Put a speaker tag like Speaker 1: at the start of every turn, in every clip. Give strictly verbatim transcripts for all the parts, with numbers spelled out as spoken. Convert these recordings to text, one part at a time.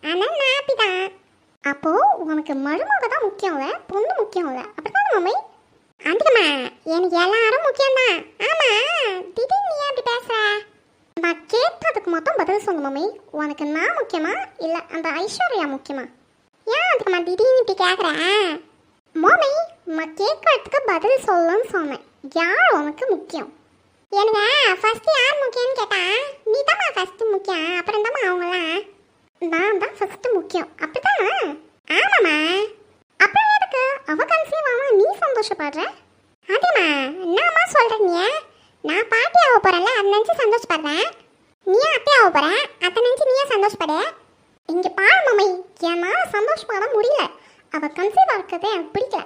Speaker 1: ஆனால் நான் ஹாப்பி தான். அப்போ உனக்கு மருமக தான் முக்கியம் இல்லை, பொண்ணு முக்கியம் இல்லை, அப்படித்தானே மம்மி? அதுக்குமா எனக்கு எல்லாரும் முக்கியம்தான். ஆமா, திடீர்னு நீ அப்படி பேசுற? நான் கேட்டதுக்கு மொத்தம் பதில் சொல்லு மம்மி. உனக்கு நான் முக்கியமா இல்லை அந்த ஐஸ்வர்யா முக்கியமா? ஏன் அதுக்குமா திடீர்னு இப்படி கேட்குறேன்? மம்மி, நான் கேட்கறதுக்கு பதில் சொல்லுன்னு சொன்னேன். யார் உனக்கு முக்கியம்? எனக்கு ஃபர்ஸ்ட் யார் முக்கியம்னு கேட்டா நீ தான்மா ஃபர்ஸ்ட் முக்கியம், அப்புறம் தாம்மா அவங்களாம். நான் தான் ஃபர்ஸ்ட் முக்கியம், அப்படித்தானே? ஆமாம்மா. அப்புறம் எதுக்கு அவ கன்சீவ் ஆமா நீ சந்தோஷப்படுற? அதேம்மா என்னம்மா சொல்கிறீங்க? நான் பாட்டி ஆக போகிறேன்ல, அதை நினச்சி சந்தோஷப்படுறேன். நீ அத்தை ஆக போகிற, அதை நினச்சி நீயே சந்தோஷப்படு. இங்கே பாரு மம்மி, என்னால் சந்தோஷப்பட முடியல. அவள் கன்சீவ் ஆகிறது எனக்கு பிடிக்கல.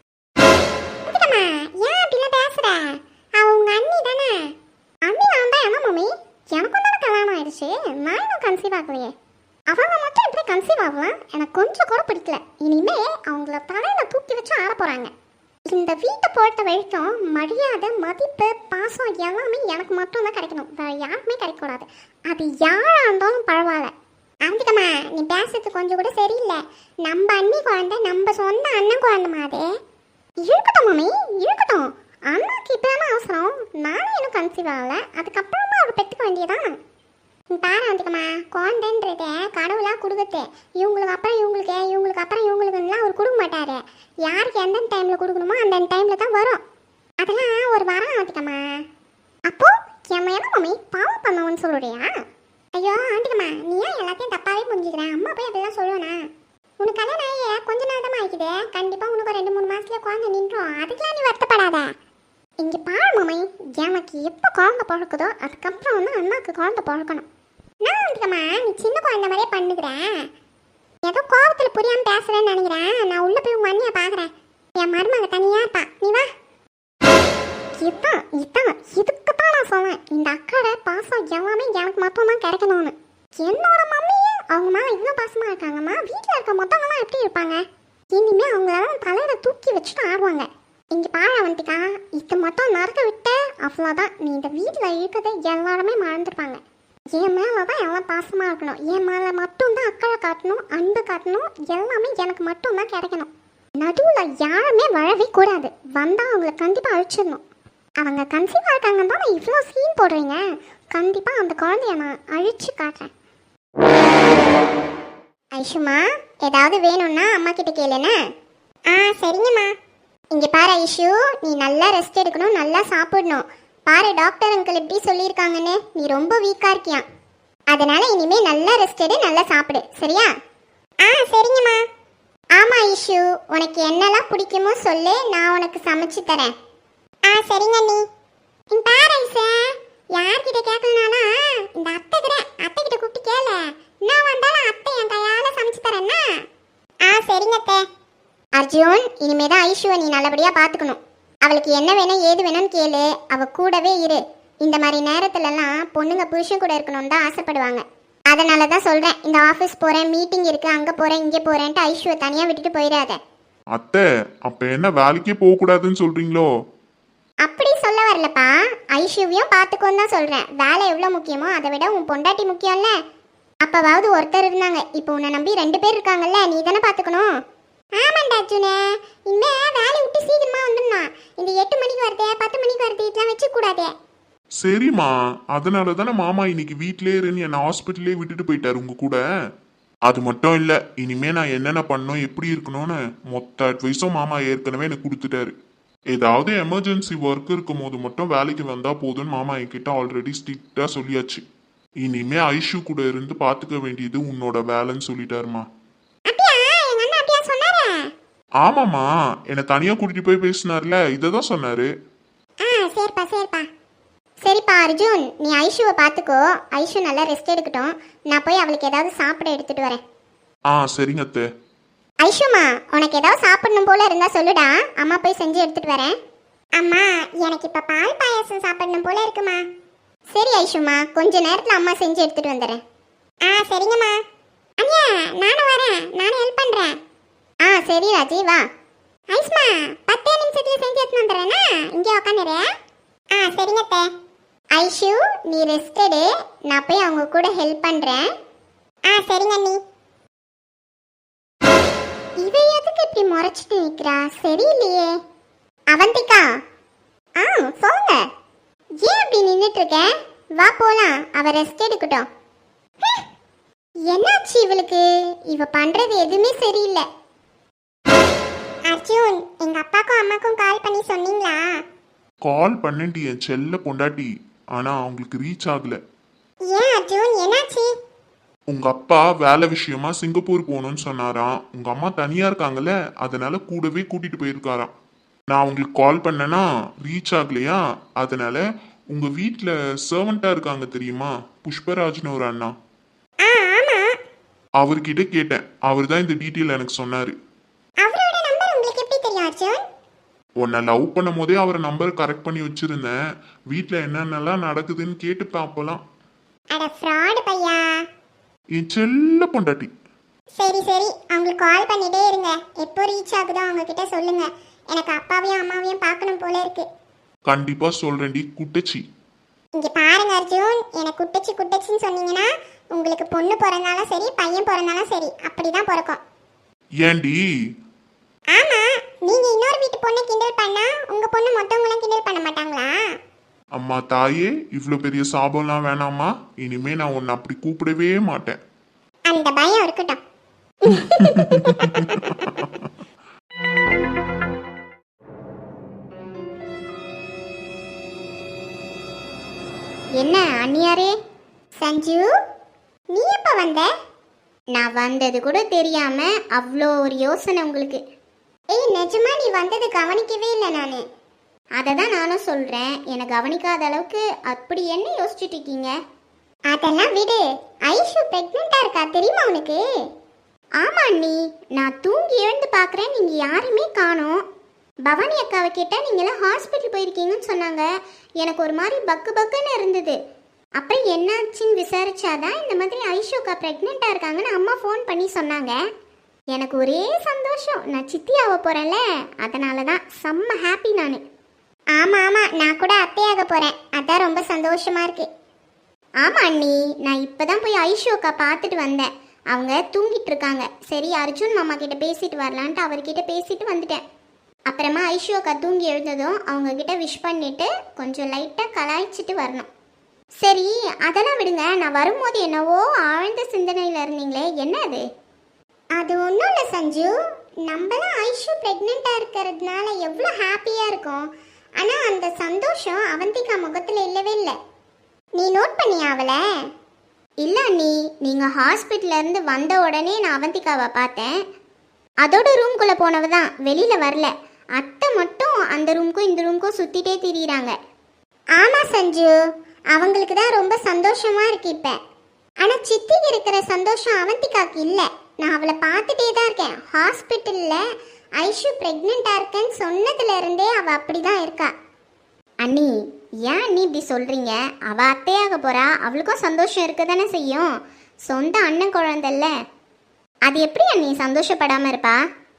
Speaker 1: அதுக்கம்மா ஏன் அப்படிலாம் பேசுகிற? அவள் உங்கள் அண்ணி தானே? அண்ணி நான் தான். என்ன மம்மி, எனக்கும் தானே கல்யாணம் ஆயிடுச்சு, நான் இன்னும் கன்சீவ் ஆகலையே. அவங்க மட்டும் எப்படி கன்சீவ் ஆகலாம்? எனக்கு கொஞ்சம் கூட பிடிக்கல. இனிமே அவங்கள தலையில் தூக்கி வச்சு ஆட போகிறாங்க. இந்த வீட்டை பொறுத்த வரைக்கும் மரியாதை, மதிப்பு, பாசம் எல்லாமே எனக்கு மட்டும் தான் கிடைக்கணும், வேறு யாருக்குமே கிடைக்கக்கூடாது. அது யாராக இருந்தாலும் பரவாயில்ல. அதுக்கம்மா நீ பேசுறது கொஞ்சம் கூட சரியில்லை. நம்ம அண்ணி குழந்தை நம்ம சொந்த அண்ணன் குழந்தை மாதிரி. இருக்கட்டும் மம்மி, இருக்கட்டும். அண்ணாக்கு இப்போ தானே அவசரம், நானும் இன்னும் கன்சீவ் ஆகலை. அதுக்கப்புறமா அவர் பெற்றுக்க வேண்டியதான். பாரு வந்துக்கம்மா, குழந்தைன்றத கடவுளாக கொடுக்குறது. இவங்களுக்கு அப்புறம் இவங்களுக்கு, இவங்களுக்கு அப்புறம் இவங்களுக்குலாம் அவர் கொடுக்க மாட்டார். யாருக்கு எந்தெந்த டைமில் கொடுக்கணுமோ அந்த டைமில் தான் வரும். அதெல்லாம் ஒரு வாரம் ஆண்டிக்கம்மா. அப்போது என் என்ன மம்மி பாவம் பண்ணவன்னு சொல்லுறியா? ஐயோ ஆண்டிக்கம்மா, நீ ஏன் எல்லாத்தையும் தப்பாகவே புரிஞ்சுக்கிறேன்? அம்மா போய் அப்படிலாம் சொல்லுவேண்ணா? உனக்கு கல்யாணம் ஆகிய கொஞ்ச நாள் தான் ஆகிக்குது. கண்டிப்பாக உனக்கு ரெண்டு மூணு மாதத்துலேயே குழந்தை நின்றோம். அதுக்கெலாம் நீ வருத்தப்படாத. இங்கே பாரு மம்மி, எனக்கு எப்போ குழந்தை பிறக்குதோ அதுக்கப்புறம் வந்து அண்ணாவுக்கு குழந்தை பிறக்கணும். நான் வந்துக்கம்மா நீ சின்ன குழந்தை மாதிரியே பண்ணுகிறேன். ஏதோ கோபத்தில் புரியாமல் பேசுகிறேன்னு நினைக்கிறேன். நான் உள்ளே போய் உங்கள் அண்ணியை பார்க்குறேன். என் மருமக தனியாக இருப்பா, நீ வா. இதுதான் இதுதான் இதுக்கு தான் நான் சொன்னேன், இந்த அக்காட பாசம் எல்லாமே எனக்கு மட்டும் தான் கிடைக்கணும்னு. என்னோட மம்மியே அவங்க மேலே இவ்வளோ பாசமாக இருக்காங்கம்மா, வீட்டில் இருக்க மொத்தவங்களாம் எப்படி இருப்பாங்க? இனிமேல் அவங்களால தலையில் தூக்கி வச்சுட்டு ஆடுவாங்க. இங்கே பாழ வந்துட்டா இது மட்டும் நடக்க விட்டு அவ்வளோதான். நீ இந்த வீட்டில் இருக்கிறத எல்லாருமே மறந்துருப்பாங்க. என் மேலே தான் எல்லாம் பாசமாக இருக்கணும், என் மேலே மட்டும்தான் அக்கறை காட்டணும், அன்பு காட்டணும், எல்லாமே எனக்கு மட்டும்தான் கிடைக்கணும். நடுவில் யாருமே வரவே கூடாது. வந்தால் அவங்கள கண்டிப்பாக அழிச்சிடணும். அவங்க கன்சீவாக இருக்காங்கன்னு தான் நான் இவ்வளோ சீன் போடுறீங்க. கண்டிப்பாக அந்த குழந்தைய நான் அழிச்சு காட்டுறேன். ஐஷுமா, ஏதாவது வேணும்னா அம்மா கிட்ட கேளுண்ணே. ஆ சரிங்கம்மா. இங்கே பாரு ஐஷு, நீ நல்லா ரெஸ்ட் எடுக்கணும், நல்லா சாப்பிடணும். பாரு டாக்டர் அங்கிள் எப்படி சொல்லியிருக்காங்கன்னு, நீ ரொம்ப வீக்காக இருக்கியா. அதனால இனிமேல் நல்லா ரெஸ்ட் எடு, நல்லா சாப்பிடு, சரியா? ஆ சரிங்கம்மா. ஆமாம் ஐஷு, உனக்கு என்னெல்லாம் பிடிக்குமோ சொல்லு, நான் உனக்கு சமைச்சு தரேன். ஆ சரிங்க நீ. இங்க பாரு ஐசா, யார்கிட்ட கேட்கலனாலும் இந்த அத்தை கிட்ட அத்தை கிட்ட கூப்பிட்டு கேளு. நான் வந்தாலும் அத்தை என் கையால் சமைச்சு தரேன்னா. ஆ சரிங்க அத்தை. அர்ஜுன், இனிமேதான் ஐஷுவை நீ நல்லபடியாக பார்த்துக்கணும். அவளுக்கு என்ன வேணும் ஏது வேணும்னு கேளு, அவள் கூடவே இரு. இந்த மாதிரி நேரத்துலலாம் பொண்ணுங்க புருஷன் கூட இருக்கணும்னு தான் ஆசைப்படுவாங்க. அதனால தான் சொல்கிறேன், இந்த ஆஃபீஸ் போகிறேன், மீட்டிங் இருக்குது, அங்கே போகிறேன், இங்கே போகிறேன்ட்டு ஐஷுவை தனியாக விட்டுட்டு போயிடாத.
Speaker 2: அத்தை, அப்போ என்ன வேலைக்கே போகக்கூடாதுன்னு சொல்கிறீங்களோ?
Speaker 1: அப்படி சொல்ல வரலப்பா, ஐஷுவையும் பார்த்துக்கோன்னு தான் சொல்கிறேன். வேலை எவ்வளோ முக்கியமோ அதை விட உன் பொண்டாட்டி முக்கியம்ல. அப்போவாவது ஒருத்தர் இருந்தாங்க, இப்போ உன்னை நம்பி ரெண்டு பேர் இருக்காங்கல்ல, நீ தானே பார்த்துக்கணும். ஆமாண்டா அர்ஜுனே, இனிமேல் வேலையை விட்டு சீக்கிரமாக வந்துடணும். இந்த எட்டு மணிக்கு வருது, பத்து மணிக்கு வருது, இதெல்லாம் வச்சுக்கூடாதே.
Speaker 2: சரிம்மா, அதனால தானே மாமா இன்னைக்கு வீட்டிலே இருந்து என்னை ஹாஸ்பிட்டலே விட்டுட்டு போயிட்டாரு உங்க கூட. அது மட்டும் இல்லை, இனிமே நான் என்னென்ன பண்ணணும் எப்படி இருக்கணும்னு மொத்த அட்வைஸும் மாமா ஏற்கனவே எனக்கு கொடுத்துட்டாரு. ஏதாவது எமர்ஜென்சி ஒர்க் இருக்கும் போது மட்டும் வேலைக்கு வந்தா போதும்னு மாமா என்கிட்ட ஆல்ரெடி ஸ்ட்ரிக்டா சொல்லியாச்சு. இனிமே ஐஷு கூட இருந்து பாத்துக்க வேண்டியது உன்னோட வேலைன்னு சொல்லிட்டாருமா. ஆமாம்மா, என்னை தனியா கூட்டிட்டு போய் பேசினார்ல, இதை தான் சொன்னாரு.
Speaker 1: ஆ சரிப்பா சரிப்பா சரிப்பா அர்ஜுன், நீ ஐஷுவை பார்த்துக்கோ. ஐஷு நல்லா ரெஸ்ட் எடுக்கட்டும். நான் போய் அவளுக்கு ஏதாவது சாப்பிட எடுத்துட்டு வரேன்.
Speaker 2: ஆ சரிங்க அத்தை.
Speaker 1: ஐஷுமா, உனக்கு ஏதாவது சாப்பிடணும் போல இருந்தா சொல்லுடா, அம்மா போய் செஞ்சு எடுத்துட்டு வரேன். அம்மா, எனக்கு இப்ப பால் பாயாசம் சாப்பிடணும் போல இருக்குமா. சரி ஐஷுமா, கொஞ்ச நேரத்துல அம்மா செஞ்சு எடுத்துட்டு வந்துடுறேன். ஆ சரிங்கம்மா. அண்ணியா, நானும் வரேன், நானும் ஹெல்ப் பண்றேன். ஆ சரி ராஜி, வா. ஐஸ்மா, பத்தே நிமிஷத்துல செஞ்சு எடுத்துட்டு வந்துடுறேன்னா, இங்கே உட்காந்துரு. ஆ சரிங்க அத்தை. ஐஷு, நீ ரெஸ்ட் எடு, நான் போய் அவங்க கூட ஹெல்ப் பண்றேன். ஆ சரிங்க அண்ணி. முறைச்சிட்டு நிக்கிறா? சரியில்லையே. அவந்திகா, ஆ சொல்லுங்க. ஏன் அப்படி நின்றுட்டு இருக்க? வா போலாம், அவ ரெஸ்ட் எடுக்கட்டும். ஹம், என்னாச்சு இவளுக்கு? இவ பண்றது எதுவுமே சரியில்லை. அர்ஜுன், எங்க அப்பாக்கும் அம்மாக்கும் கால் பண்ணி சொன்னீங்களா?
Speaker 2: கால் பண்ணேன்டி என் செல்ல பொண்டாட்டி, ஆனா அவங்களுக்கு ரீச் ஆகல.
Speaker 1: ஏன் அர்ஜுன், என்னாச்சு?
Speaker 2: உங்க அப்பா வேலை விஷயமா சிங்கப்பூர் போகணும்னு சொன்னாராம். உங்க அம்மா தனியா இருக்காங்கல்ல, அதனால கூடவே கூட்டிட்டு போயிருக்காராம். நான் உங்களுக்கு கால் பண்ணேன்னா ரீச் ஆகலையா, அதனால உங்க வீட்டுல சர்வெண்டா இருக்காங்க தெரியுமா, புஷ்பராஜ்னு ஒரு அண்ணா,
Speaker 1: ஆ ஆமா.
Speaker 2: அவர்கிட்ட கேட்டேன். அவர் தான் இந்த டீட்டெயில் எனக்கு சொன்னாரு.
Speaker 1: அவரோட நம்பர் உங்களுக்கு எப்படி தெரியும் அர்ஜுன்?
Speaker 2: உன்னை லவ் பண்ணும் போதே அவர் நம்பர் கரெக்ட் பண்ணி வச்சிருந்தேன். வீட்டுல என்னென்னலாம் நடக்குதுன்னு கேட்டு பார்ப்பலாம்.
Speaker 1: அட ஃப்ராட் பையா.
Speaker 2: என் செல்ல பொண்டாட்டி.
Speaker 1: சரி சரி, அவங்களுக்கு கால் பண்ணிட்டே இருங்க. எப்போ ரீச் ஆகுதோ அவங்க கிட்ட சொல்லுங்க. எனக்கு அப்பாவையும் அம்மாவையும் பார்க்கணும் போல இருக்கு.
Speaker 2: கண்டிப்பா சொல்றேன்டி குட்டச்சி.
Speaker 1: இங்க பாருங்க அர்ஜுன், எனக்கு குட்டச்சி குட்டச்சின்னு சொன்னீங்கன்னா உங்களுக்கு பொண்ணு பிறந்தாலும் சரி பையன் பிறந்தாலும் சரி அப்படிதான் பிறக்கும்.
Speaker 2: ஏண்டி?
Speaker 1: ஆமா, நீங்க இன்னொரு வீட்டு பொண்ணு கிண்டல் பண்ணா உங்க பொண்ணு மொத்தவங்களும் கிண்டல் பண்ண மாட்டாங்களா?
Speaker 2: அம்மா தாயே, இவ்வளோ பெரிய சாபம்லாம் வேணாமா. இனிமே நான் உன்னை அப்படி கூப்பிடவே மாட்டேன்.
Speaker 1: அந்த பயம் இருக்கட்டும். என்ன அண்ணியாரே? சஞ்சு, நீ எப்ப வந்த? நான் வந்தது கூட தெரியாம அவ்வளோ ஒரு யோசனை உங்களுக்கு. ஏய் நிஜமா நீ வந்தது கவனிக்கவே இல்லை நானு. அதை தான் நானும் சொல்றேன், என்னை கவனிக்காத அளவுக்கு அப்படி என்ன யோசிச்சுட்டு இருக்கீங்க? அதெல்லாம் விடு. ஐஷு பிரெக்னெண்டா இருக்கா தெரியுமா உனக்கு? ஆமா அண்ணி, நான் தூங்கி எழுந்து பார்க்குறேன், நீங்க யாருமே காணோம். பவானி அக்காவை கேட்டால் நீங்களாம் ஹாஸ்பிட்டல் போயிருக்கீங்கன்னு சொன்னாங்க. எனக்கு ஒரு மாதிரி பக்கு பக்குன்னு இருந்தது. அப்புறம் என்னாச்சுன்னு விசாரிச்சாதான் இந்த மாதிரி ஐஷு அக்கா ப்ரெக்னெண்ட்டாக இருக்காங்கன்னு அம்மா ஃபோன் பண்ணி சொன்னாங்க. எனக்கு ஒரே சந்தோஷம், நான் சித்தி ஆக போகிறேன்ல, அதனால தான் செம்ம ஹாப்பி நான். ஆமாம் ஆமாம், நான் கூட அத்தையாக போகிறேன், அதான் ரொம்ப சந்தோஷமாக இருக்கு. ஆமாம் அண்ணி, நான் இப்போ தான் போய் ஐஷு அக்கா பார்த்துட்டு வந்தேன். அவங்க தூங்கிட்டு இருக்காங்க. சரி அர்ஜுன் மாமா கிட்ட பேசிட்டு வரலான்ட்டு அவர்கிட்ட பேசிட்டு வந்துட்டேன். அப்புறமா ஐஷு அக்கா தூங்கி எழுந்ததும் அவங்க கிட்ட விஷ் பண்ணிட்டு கொஞ்சம் லைட்டாக கலாய்ச்சிட்டு வரணும். சரி அதெல்லாம் விடுங்க, நான் வரும்போது என்னவோ ஆழ்ந்த சிந்தனையில் இருந்தீங்களே, என்ன அது? அது ஒன்றும் இல்லை சஞ்சு, நம்மளாம் ஐஷு ப்ரெக்னெண்ட்டாக இருக்கிறதுனால எவ்வளோ ஹாப்பியாக இருக்கும். ஆனால் அந்த சந்தோஷம் அவந்திகா முகத்தில் இல்லவே இல்லை. நீ நோட் பண்ணியா அவளை? இல்லை அண்ணி, நீங்கள் ஹாஸ்பிட்டல்லேருந்து வந்த உடனே நான் அவந்திகாவை பார்த்தேன். அதோட ரூம்குள்ளே போனவ தான், வெளியில் வரல. அத்தை மட்டும் அந்த ரூமுக்கும் இந்த ரூமுக்கும் சுற்றிட்டே திரியிறாங்க. ஆமாம் சஞ்சு, அவங்களுக்கு தான் ரொம்ப சந்தோஷமாக இருக்கு இப்போ. ஆனால் சித்திக்கு இருக்கிற சந்தோஷம் அவந்திகாக்கு இல்லை. நான் அவளை பார்த்துட்டே தான் இருக்கேன். ஹாஸ்பிட்டலில் ஐஷு ப்ரெக்னெண்ட்டாக இருக்கேன்னு சொன்னதுலேருந்தே அவள் அப்படி தான் இருக்கா. அண்ணி ஏன் அண்ணி இப்படி சொல்கிறீங்க? அவள் அத்தையாக போகிறா, அவளுக்கும் சந்தோஷம் இருக்க தானே செய்யும். சொந்த அண்ணன் குழந்தைல்ல, அது எப்படி அண்ணி சந்தோஷப்படாமல் இருப்பா?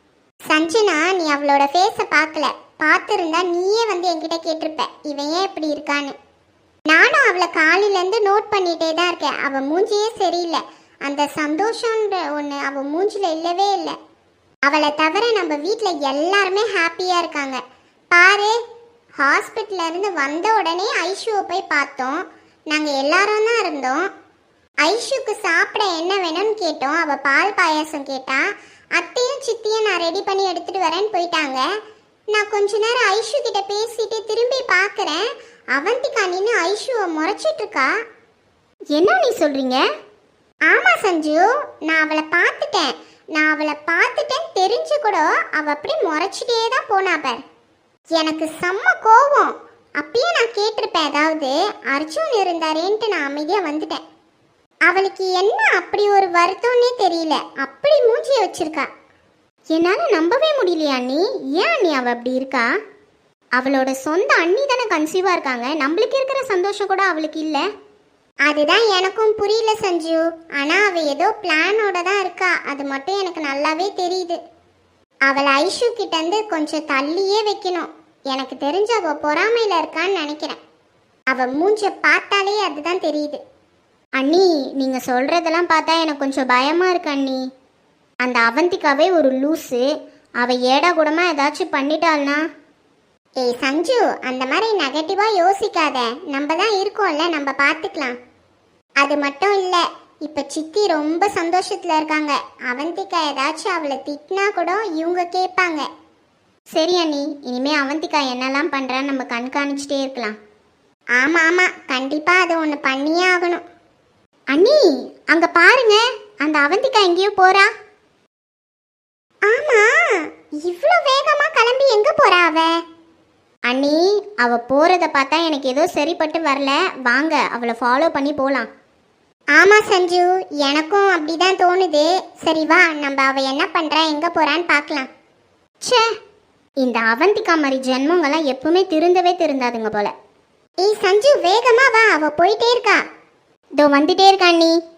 Speaker 1: சஞ்சனா, நீ அவளோட ஃபேஸை பார்க்கல. பார்த்துருந்தா நீயே வந்து என்கிட்ட கேட்டிருப்ப இவன் ஏன் இப்படி இருக்கான்னு. நானும் அவளை காலையிலேருந்து நோட் பண்ணிகிட்டே தான் இருக்கேன். அவள் மூஞ்சியே சரியில்லை. அந்த சந்தோஷன்ற ஒன்று அவள் மூஞ்சில் இல்லவே இல்லை. அவளை தவிர நம்ம வீட்டில் எல்லாருமே ஹாப்பியாக இருக்காங்க. பாரு, ஹாஸ்பிட்டல்லேருந்து வந்த உடனே ஐஷுவை போய் பார்த்தோம். நாங்கள் எல்லாரும் தான் இருந்தோம். ஐஷுக்கு சாப்பிட என்ன வேணும்னு கேட்டோம். அவள் பால் பாயாசம் கேட்டா. அத்தையும் சித்தியும் நான் ரெடி பண்ணி எடுத்துகிட்டு வரேன்னு போயிட்டாங்க. நான் கொஞ்ச நேரம் ஐஷு கிட்ட பேசிட்டு திரும்பி பார்க்குறேன், அவந்திகா நின்று ஐஷுவை முறைச்சிட்டு இருக்கா. என்ன நீ சொல்கிறீங்க? ஆமாம் சஞ்சு, நான் அவளை பார்த்துட்டேன். நான் அவளை பார்த்துட்டேன்னு தெரிஞ்சு கூட அவள் அப்படி முறைச்சிட்டே தான் போனா பார். எனக்கு செம்ம கோவம். அப்பயே நான் கேட்டிருப்பேன், அதாவது அர்ஜுன் இருந்தாரேன்ட்டு நான் அமைதியாக வந்துட்டேன். அவளுக்கு என்ன அப்படி ஒரு வருத்தம்னே தெரியல, அப்படி மூஞ்சியை வச்சிருக்கா. என்னால் நம்பவே முடியலையா அண்ணி. ஏன் அண்ணி அவள் அப்படி இருக்கா? அவளோட சொந்த அண்ணி தானே கன்சீவாக இருக்காங்க, நம்மளுக்கு இருக்கிற சந்தோஷம் கூட அவளுக்கு இல்லை. அதுதான் எனக்கும் புரியல சஞ்சு. ஆனால் அவள் ஏதோ பிளானோட தான் இருக்கா, அது மட்டும் எனக்கு நல்லாவே தெரியுது. அவளை ஐஷு கிட்டேருந்து கொஞ்சம் தள்ளியே வைக்கணும். எனக்கு தெரிஞ்ச அவள் பொறாமையில் இருக்கான்னு நினைக்கிறேன். அவள் மூஞ்ச பார்த்தாலே அதுதான் தெரியுது. அண்ணி, நீங்கள் சொல்கிறதெல்லாம் பார்த்தா எனக்கு கொஞ்சம் பயமாக இருக்கு அண்ணி. அந்த அவந்திகாவே ஒரு லூஸு,
Speaker 3: அவ ஏடா கூடமா ஏதாச்சும் பண்ணிட்டாள்னா?
Speaker 1: ஏய் சஞ்சு, அந்த மாதிரி நெகட்டிவா யோசிக்காத. நம்ம தான் இருக்கோம்ல, நம்ம பார்த்துக்கலாம். அது மட்டும் இல்லை, இப்போ சித்தி ரொம்ப சந்தோஷத்தில் இருக்காங்க. அவந்திகா ஏதாச்சும் அவளை திட்டினா கூட இவங்க கேட்பாங்க.
Speaker 3: சரி அண்ணி, இனிமே அவந்திகா என்னெல்லாம் பண்றான்னு நம்ம கண்காணிச்சுட்டே இருக்கலாம்.
Speaker 1: ஆமாம் ஆமாம், கண்டிப்பாக அதை ஒன்று பண்ணியே ஆகணும்.
Speaker 3: அண்ணி, அங்க பாருங்க, அந்த அவந்திகா எங்கேயோ போறா.
Speaker 1: ஆமாம், இவ்வளோ வேகமாக கிளம்பி எங்கே போறா அவ?
Speaker 3: அண்ணி, அவ போறத பார்த்தா எனக்கு ஏதோ சரிப்பட்டு வரல. வாங்க அவளை ஃபாலோ பண்ணி போலாம்.
Speaker 1: ஆமாம் சஞ்சு, எனக்கும் அப்படிதான் தோணுது. சரி வா, நம்ம அவ என்ன பண்றா எங்கே போறான்னு பார்க்கலாம்.
Speaker 3: ச்சே, இந்த அவந்திகா மாதிரி ஜென்மங்கள்லாம் எப்பவுமே திருந்தவே திருந்தாதுங்க போல.
Speaker 1: ஏய் சஞ்சு, வேகமா வா, அவ போயிட்டே இருக்கா.
Speaker 3: இதோ வந்துட்டே இருக்கா அண்ணி.